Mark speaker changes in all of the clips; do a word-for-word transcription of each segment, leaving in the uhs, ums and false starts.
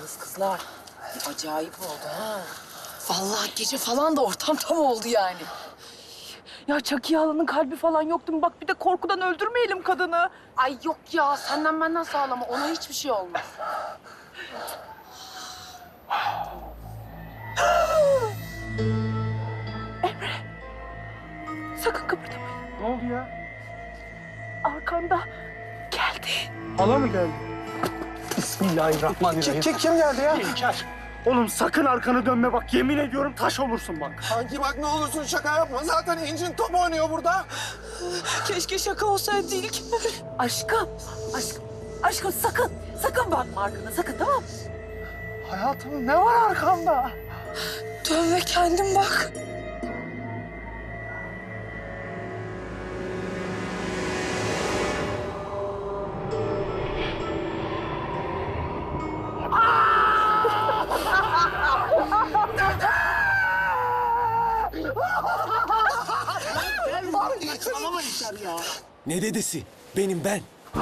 Speaker 1: yaptınız kızlar? Acayip oldu ha. Vallahi gece falan da ortam tam oldu yani.
Speaker 2: Ya Çakiye halanın kalbi falan yoktu mu? Bak bir de korkudan öldürmeyelim kadını.
Speaker 1: Ay yok ya, senden benden sağlama. Ona hiçbir şey olmaz.
Speaker 2: Sakın kıpırdamayın.
Speaker 3: Ne oldu ya?
Speaker 2: Arkanda geldi.
Speaker 3: Hala mı geldi? Bismillahirrahmanirrahim. Kim, kim, kim geldi ya? İlker. Oğlum sakın arkanı dönme bak. Yemin ediyorum taş olursun bak.
Speaker 4: Kanki bak ne olursun şaka yapma. Zaten incin top oynuyor burada.
Speaker 2: Keşke şaka olsaydı İlker. Aşkım, aşkım, aşkım sakın, sakın bakma arkana, sakın tamam mı?
Speaker 3: Hayatım ne var arkamda?
Speaker 2: Dön ve kendin bak.
Speaker 5: Ne dedesi? Benim ben.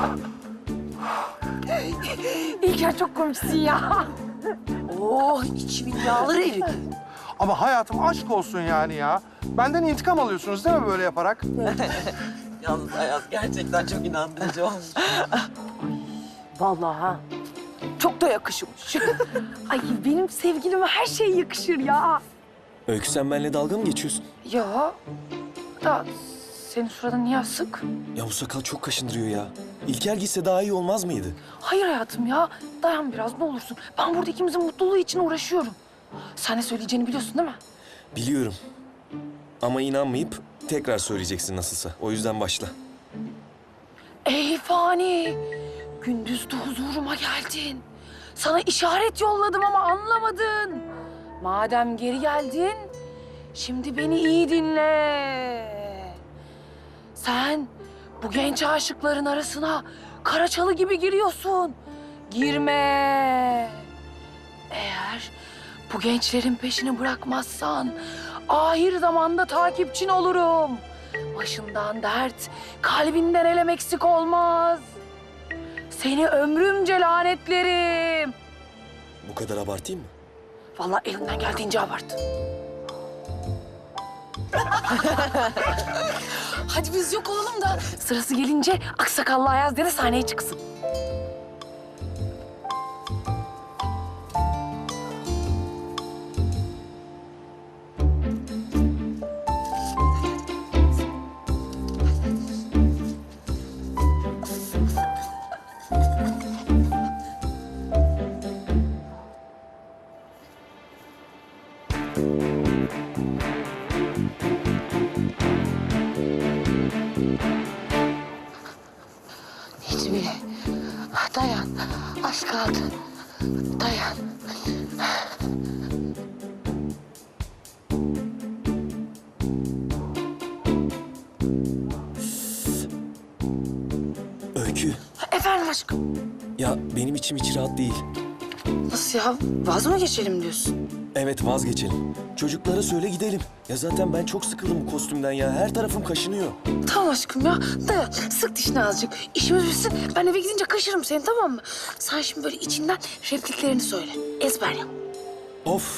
Speaker 2: İlker çok komiksin ya.
Speaker 1: Oh, içimin yağları eridi.
Speaker 4: Ama hayatım aşk olsun yani ya. Benden intikam alıyorsunuz değil mi böyle yaparak?
Speaker 6: Yalnız Ayaz gerçekten çok inandırıcı olmuş.
Speaker 2: Vallahi ha. Çok da yakışmış. Ay benim sevgilime her şey yakışır ya.
Speaker 5: Öykü sen benimle dalga mı geçiyorsun?
Speaker 2: Ya da senin suratın niye asık?
Speaker 5: Ya bu sakal çok kaşındırıyor ya. İlker gitse daha iyi olmaz mıydı?
Speaker 2: Hayır hayatım ya. Dayan biraz ne olursun. Ben burada ikimizin mutluluğu için uğraşıyorum. Sen ne söyleyeceğini biliyorsun değil mi?
Speaker 5: Biliyorum. Ama inanmayıp tekrar söyleyeceksin nasılsa. O yüzden başla.
Speaker 2: Ey fani. Gündüz de huzuruma geldin. Sana işaret yolladım ama anlamadın. Madem geri geldin, şimdi beni iyi dinle. Sen bu genç aşıkların arasına Karaçalı gibi giriyorsun. Girme. Eğer bu gençlerin peşini bırakmazsan ahir zamanda takipçin olurum. Başından dert, kalbinden elem eksik olmaz. Seni ömrümce lanetlerim.
Speaker 5: Bu kadar abartayım mı?
Speaker 2: Vallahi elimden geldiğince abart. Hadi biz yok olalım da sırası gelince aksakallı Ayaz dede sahneye çıksın.
Speaker 1: Necmi, dayan. Az kaldı. Dayan.
Speaker 5: Öykü.
Speaker 1: Efendim aşkım.
Speaker 5: Ya benim içim hiç rahat değil.
Speaker 1: Nasıl ya? Vaz mı geçelim diyorsun?
Speaker 5: Evet vazgeçelim. Çocuklara söyle gidelim. Ya zaten ben çok sıkıldım bu kostümden ya. Her tarafım kaşınıyor.
Speaker 1: Tamam aşkım ya. Dayan. Sık dişini azıcık. İşimiz bitsin. Ben eve gidince kaşırım seni tamam mı? Sen şimdi böyle içinden repliklerini söyle. Ezber yap.
Speaker 5: Of.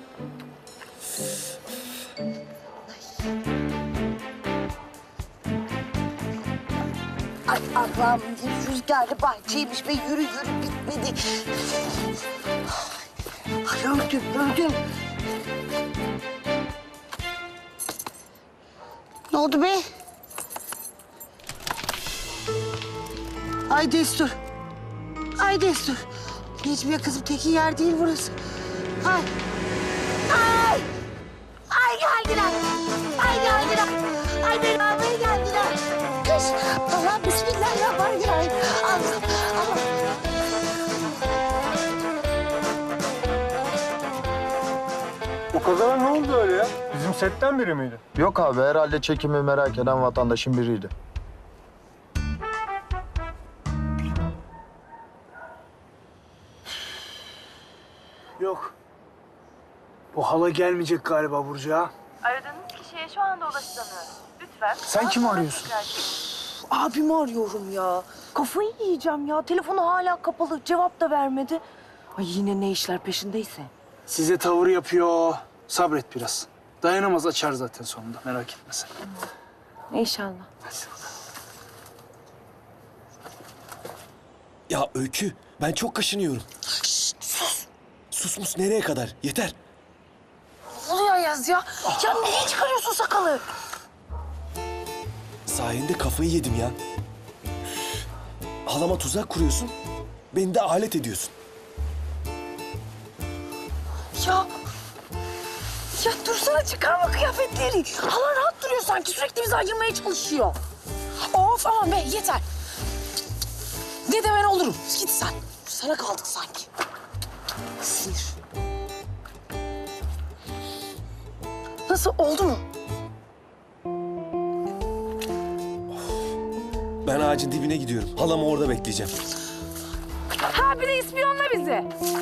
Speaker 7: Ay Allah'ım rüzgarlı bahçeymiş ve yürü yürü bitmedi. Ay öldüm öldüm. Ne oldu be? Ay Destur. Ay Destur. Necmiye kızım tekin yer değil burası. Ay. Ay. Ay geldiler. Ay geldiler. Ay beni almaya geldiler. Kış. Allah bismillahirrahmanirrahim. Allah. Allah.
Speaker 3: O kazara ne oldu öyle ya? Bizim setten biri miydi?
Speaker 8: Yok abi herhalde çekimi merak eden vatandaşın biriydi.
Speaker 3: Yok. Bu hala gelmeyecek galiba Burcu'ya.
Speaker 9: Aradığınız kişiye şu anda ulaşılamıyor. Lütfen.
Speaker 3: Sen kimi arıyorsun?
Speaker 2: Abimi arıyorum ya. Kafayı yiyeceğim ya. Telefonu hala kapalı. Cevap da vermedi. Ay yine ne işler peşindeyse.
Speaker 3: Size tavır yapıyor. Sabret biraz. Dayanamaz açar zaten sonunda. Merak etme sen.
Speaker 2: İnşallah.
Speaker 5: Ya Öykü, ben çok kaşınıyorum.
Speaker 1: Sus.
Speaker 5: Sus mus nereye kadar? Yeter.
Speaker 1: Ne oluyor Ayaz ya? Ya niye çıkarıyorsun sakalı?
Speaker 5: Sayende kafayı yedim ya. Halama tuzak kuruyorsun, beni de alet ediyorsun.
Speaker 1: Ya... Ya dursana, çıkarma kıyafetleri. Hala rahat duruyor sanki, sürekli bizi ayırmaya çalışıyor. Of aman be, yeter. Ne de ben olurum. Git sen. Sana kaldık sanki. Sinir. Nasıl, oldu mu?
Speaker 5: Ben ağacın dibine gidiyorum. Halamı orada bekleyeceğim.
Speaker 1: Ha bir de ispiyonla bizi.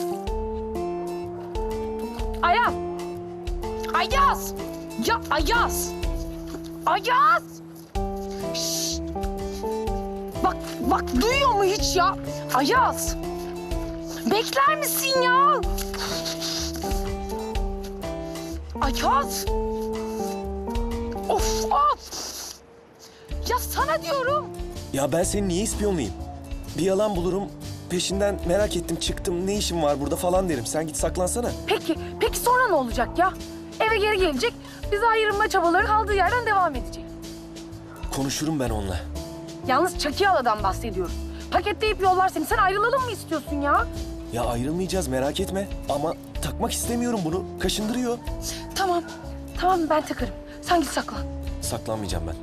Speaker 1: Ayaz. Ayaz. Ya Ayaz. Ayaz. Şşt. Bak, bak duyuyor mu hiç ya? Ayaz. Bekler misin ya? Ayaz. Of of. Ya sana diyorum.
Speaker 5: Ya ben seni niye ispiyonlayayım? Bir yalan bulurum, peşinden merak ettim, çıktım, ne işim var burada falan derim. Sen git saklansana.
Speaker 1: Peki, peki sonra ne olacak ya? Eve geri gelecek, bizi ayırma çabaları kaldığı yerden devam edecek.
Speaker 5: Konuşurum ben onunla.
Speaker 1: Yalnız Çakıyala'dan bahsediyoruz. Paketleyip yollar seni. Sen ayrılalım mı istiyorsun ya?
Speaker 5: Ya ayrılmayacağız, merak etme. Ama takmak istemiyorum bunu. Kaşındırıyor.
Speaker 1: Tamam, tamam ben takarım. Sen git saklan.
Speaker 5: Saklanmayacağım ben.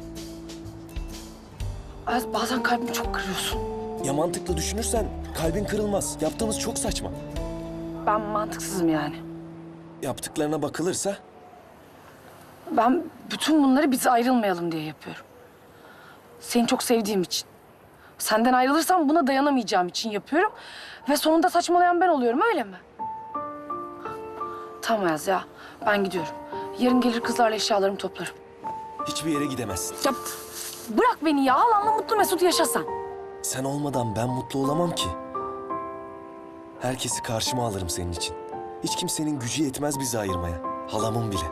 Speaker 1: Az bazen kalbimi çok kırıyorsun.
Speaker 5: Ya mantıklı düşünürsen kalbin kırılmaz. Yaptığımız çok saçma.
Speaker 1: Ben mantıksızım yani.
Speaker 5: Yaptıklarına bakılırsa
Speaker 1: Ben bütün bunları biz ayrılmayalım diye yapıyorum. Seni çok sevdiğim için. Senden ayrılırsam buna dayanamayacağım için yapıyorum. Ve sonunda saçmalayan ben oluyorum, öyle mi? Tamam Ayaz ya, ben gidiyorum. Yarın gelir kızlarla eşyalarımı toplarım.
Speaker 5: hiçbir yere gidemezsin.
Speaker 1: Ya bırak beni ya, halanla mutlu mesut yaşasan.
Speaker 5: Sen olmadan ben mutlu olamam ki. Herkesi karşıma alırım senin için. Hiç kimsenin gücü yetmez bizi ayırmaya. Halamın bile.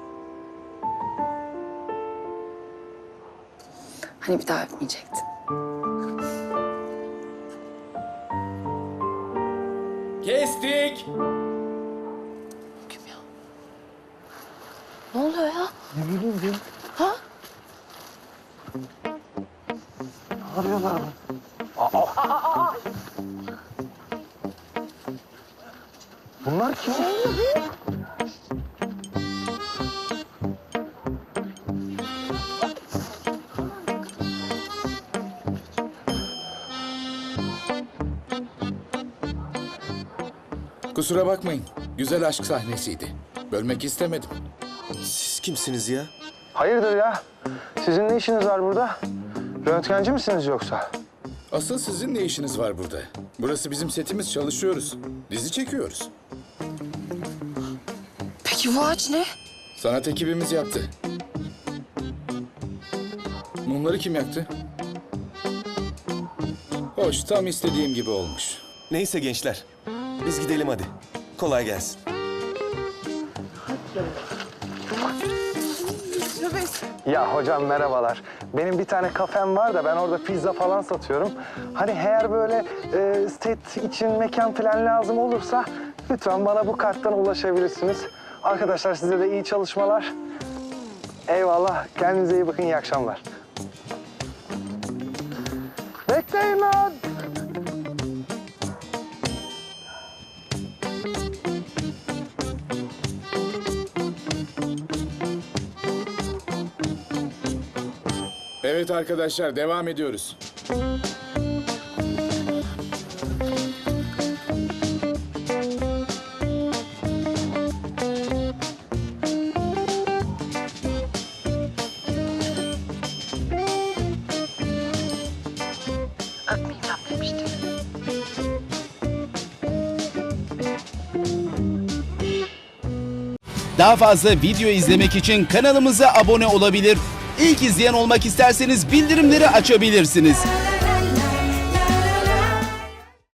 Speaker 1: Hani bir daha öpmeyecektin.
Speaker 10: Kestik.
Speaker 1: Kim ya? Ne oluyor ya?
Speaker 3: Ne bileyim diyor.
Speaker 1: Ha?
Speaker 3: Arıyorlar mı? Bunlar kim?
Speaker 10: Kusura bakmayın. Güzel aşk sahnesiydi. Bölmek istemedim.
Speaker 5: Siz kimsiniz ya?
Speaker 8: Hayırdır ya? Sizin ne işiniz var burada? Röntgenci misiniz yoksa?
Speaker 10: Asıl sizin ne işiniz var burada? Burası bizim setimiz, çalışıyoruz. Dizi çekiyoruz.
Speaker 1: Peki bu ağaç ne?
Speaker 10: Sanat ekibimiz yaptı. Mumları kim yaktı? Hoş, tam istediğim gibi olmuş.
Speaker 5: Neyse gençler. Biz gidelim hadi. Kolay gelsin.
Speaker 8: Ya hocam merhabalar. Benim bir tane kafem var da ben orada pizza falan satıyorum. Hani eğer böyle e, set için mekan falan lazım olursa lütfen bana bu karttan ulaşabilirsiniz. Arkadaşlar size de iyi çalışmalar. Eyvallah. Kendinize iyi bakın. İyi akşamlar. Bekleyin lan.
Speaker 10: Evet arkadaşlar, devam ediyoruz.
Speaker 1: Öpmeyeceğim demiştim.
Speaker 11: Daha fazla video izlemek için kanalımıza abone olabilir. İlk izleyen olmak isterseniz bildirimleri açabilirsiniz.